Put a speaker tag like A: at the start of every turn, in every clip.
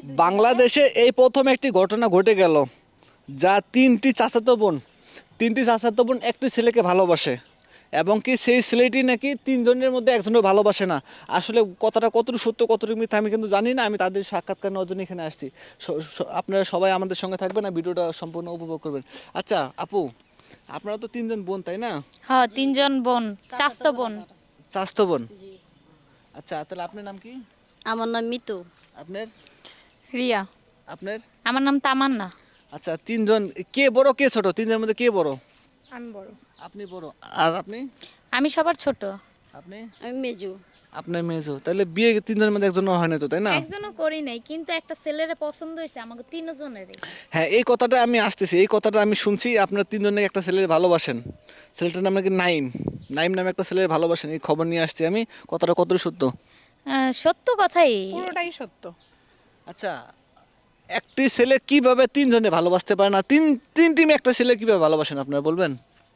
A: বাংলাদেশে এই প্রথম একটি ঘটনা ঘটে গেল, যা তিনটি চাচাতো বোন একটি ছেলেকে ভালোবাসে, এবং কি সেই ছেলেটি নাকি তিনজনের মধ্যে একজনও ভালোবাসে না। আসলে কথাটা কতটুকু সত্য কতটুকু মিথ্যা আমি কিন্তু জানি না। আমি তাদের সাক্ষাৎকার নেওয়ার জন্য এখানে আসছি। আপনারা সবাই আমাদের সঙ্গে থাকবেন আর ভিডিওটা সম্পূর্ণ উপভোগ করবেন। আচ্ছা আপু, আপনারা তো তিনজন বোন তাই না?
B: হ্যাঁ, তিনজন বোন, চাচাতো বোন।
A: চাচাতো বোন।
C: জি।
A: আচ্ছা তাহলে আপনার নাম কি?
C: আমার নাম মিতু।
A: আপনার?
B: রিয়া।
A: আপনার?
B: আমার নাম তামান্না।
A: আচ্ছা তিনজন, কে বড় কে ছোট? তিনজনের মধ্যে কে বড়?
B: আমি বড়।
A: আপনি বড়। আর আপনি?
B: আমি সবার ছোট।
A: আপনি?
C: আমি মেজু।
A: আপনার মেজো। তাহলে বিয়ে তিনজনের মধ্যে একজনও হয় না তো, তাই না?
B: একজনও করি নাই, কিন্তু একটা ছেলেরে পছন্দ হয়েছে আমাকে তিনজনেরই।
A: হ্যাঁ, এই কথাটা আমি আসতেছি, এই কথাটা আমি শুনছি আপনার তিনজনে একটা ছেলের ভালোবাসেন। ছেলেটার নাম নাকি নাইম। নাইম নামে একটা ছেলের ভালোবাসেন, এই খবর নিয়ে আসছি আমি। কথাটা কতটা সত্য?
B: সত্য কথাই।
D: পুরোটাই সত্য।
A: আচ্ছা, একটি ছেলে কিভাবে তিনজনে ভালোবাসতে পারে না? তিনটি মেয়ে একটা ছেলে কিভাবে ভালোবাসেন আপনারা বলবেন?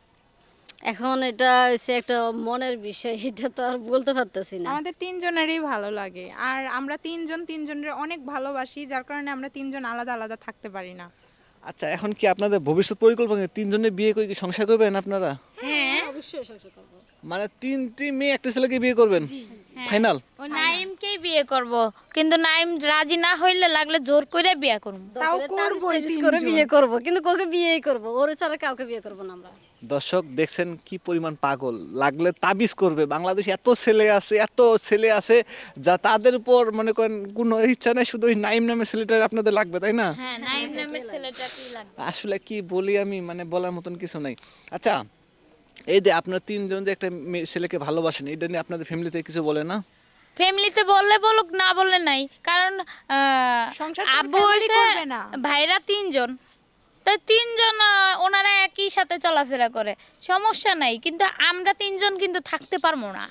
C: এখন এটা হচ্ছে একটা মনের বিষয়, এটা তো আর বলতে পারতেছি না।
D: আমাদের তিনজনেরই ভালো লাগে, আর আমরা তিনজনের অনেক ভালোবাসি, যার কারণে আমরা তিনজন আলাদা আলাদা থাকতে পারি না।
A: আচ্ছা, এখন কি আপনাদের ভবিষ্যৎ পরিকল্পনা কি তিনজনে বিয়ে করে কি সংসার করবেন আপনারা?
B: হ্যাঁ,
C: অবশ্যই সংসার করব।
A: মানে তিনটি মেয়ে একটা ছেলেকে বিয়ে করবেন ফাইনাল?
B: ওই নাইমকেই বিয়ে করব, কিন্তু নাইম রাজি না হইলে লাগলে জোর করে বিয়ে করব।
D: তাও
C: দরকারে
D: করবোই
C: তাবিজ টাবিজ
D: তিনজন।
C: করে বিয়ে করব, কিন্তু কাউকে বিয়েই করব, ওর ছাড়া কাউকে বিয়ে করব না আমরা।
A: দর্শক দেখছেন কি পরিমাণ পাগল, লাগলে তাবিজ করবে। বাংলাদেশে এত ছেলে আছে যা তাদের উপর মনে করেন কোনো ইচ্ছা নাই, শুধু ওই নাইম নামের ছেলেটা আপনাদের লাগবে, তাই না?
B: হ্যাঁ, নাইম নামের ছেলেটাকেই লাগবে।
A: আসলে কি বলি আমি, মানে বলার মতন কিছু নাই। আচ্ছা, এই যে আপনার তিনজন যে একটা ছেলেকে ভালোবাসেন, এটা নিয়ে আপনাদের ফ্যামিলিতে কিছু বলে না?
B: ফ্যামিলিতে বললে বলুক, না বললে নাই। কারণ
D: সংসার তো
B: আব্বু
D: family
B: হইছে,
D: করবে না।
B: ভাইরা তিনজন, তাই তিনজন ওনারা একই সাথে চলাফেরা করে, সমস্যা নাই। কিন্তু আমরা তিনজন কিন্তু থাকতে পারবো না,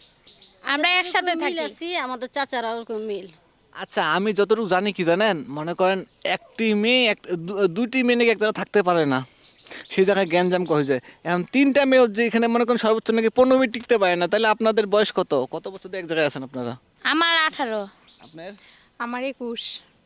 B: আমরা একসাথে
C: মিল
B: থাকি।
C: আছি, আমাদের চাচারা ওরকম মিল।
A: আচ্ছা, আমি যতটুকু জানি কি জানেন, মনে করেন একটি মেয়ে দুইটি মেয়ে নাকি এক জায়গায় থাকতে পারে না, সেই জায়গায় গ্যাঞ্জাম হয়ে যায়। এখন তিনটা মেয়ে যেখানে মনে করেন সর্বোচ্চ নাকি 15 মিনিট টিকতে পারে না, তাহলে আপনাদের বয়স কত? কত বছর ধরে এক জায়গায় আছেন আপনারা?
B: আমার 18।
A: আপনার?
D: আমার 21।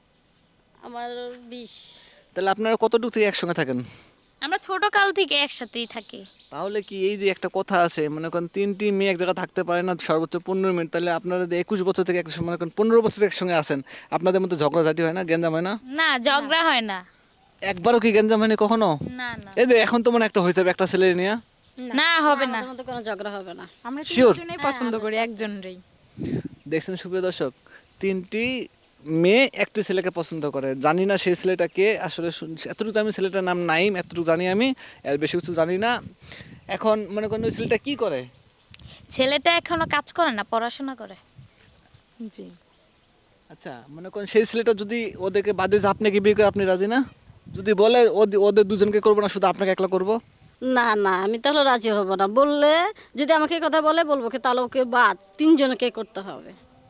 C: আমার 20।
A: তাহলে আপনারা কতটুকু থেকে একসঙ্গে থাকেন?
B: আমরা ছোট কাল থেকে একসাথেই থাকি।
A: তাহলে কি এই যে একটা কথা আছে, মনে করেন তিনটি মেয়ে এক জায়গায় থাকতে পারে না সর্বোচ্চ 15 মিনিট, তাহলে আপনারা যে 21 বছর থেকে মনে করেন 15 বছর থেকে একসঙ্গে আছেন, আপনাদের মধ্যে ঝগড়াঝাটি হয় না, গ্যাঞ্জাম হয় না?
B: না, ঝগড়া হয় না।
A: একবারও কি গ্যাঞ্জাম হয়নি কখনো?
B: না না
A: এই যে এখন তো মনে একটা হয়ে যাবে একটা ছেলে নিয়ে।
B: না, হবে না।
C: আমাদের মধ্যে কোনো ঝগড়া হবে না।
D: আমরা
A: Sure?
D: তিনজনেই পছন্দ করি একজনরেই।
A: দেখছেন সুপ্রিয় দর্শক, তিনটি মেয়ে একটি ছেলেকে পছন্দ করে। জানি না সেই ছেলেটা কে আসলে, এতটুকু আমি ছেলেটার নাম নাইম, এতটুকু জানি আমি, এর বেশি কিছু জানি না। এখন মনে করেন ওই ছেলেটা কি করে?
B: ছেলেটা এখনো কাজ করে না, পড়াশোনা করে।
D: জি।
A: আচ্ছা, মনে করেন সেই ছেলেটা যদি ওদেরকে বাদে যে আপনাকে বিয়ে করে, আপনি রাজি না? যদি বলে ওদের দুজনকে করবো না, শুধু আপনাকে একলা করবো?
C: না না, আমি তাহলে রাজি হব না। বললে যদি আমাকে এই কথা বলে, বলবো কি তাহলে ওকে বাদ তিনজনকে করতে হবে।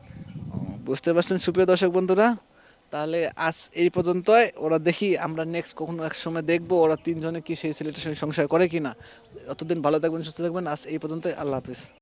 A: বুঝতে পারছেন সুপ্রিয় দর্শক বন্ধুরা? তাহলে আজ এই পর্যন্তই। ওরা দেখি আমরা নেক্সট কখনো এক সময় দেখবো ওরা তিনজনে কি সেই ছেলেটার সঙ্গে সংসার করে কিনা। অতদিন ভালো থাকবেন, সুস্থ থাকবেন। আজ এই পর্যন্তই। আল্লাহ হাফিজ।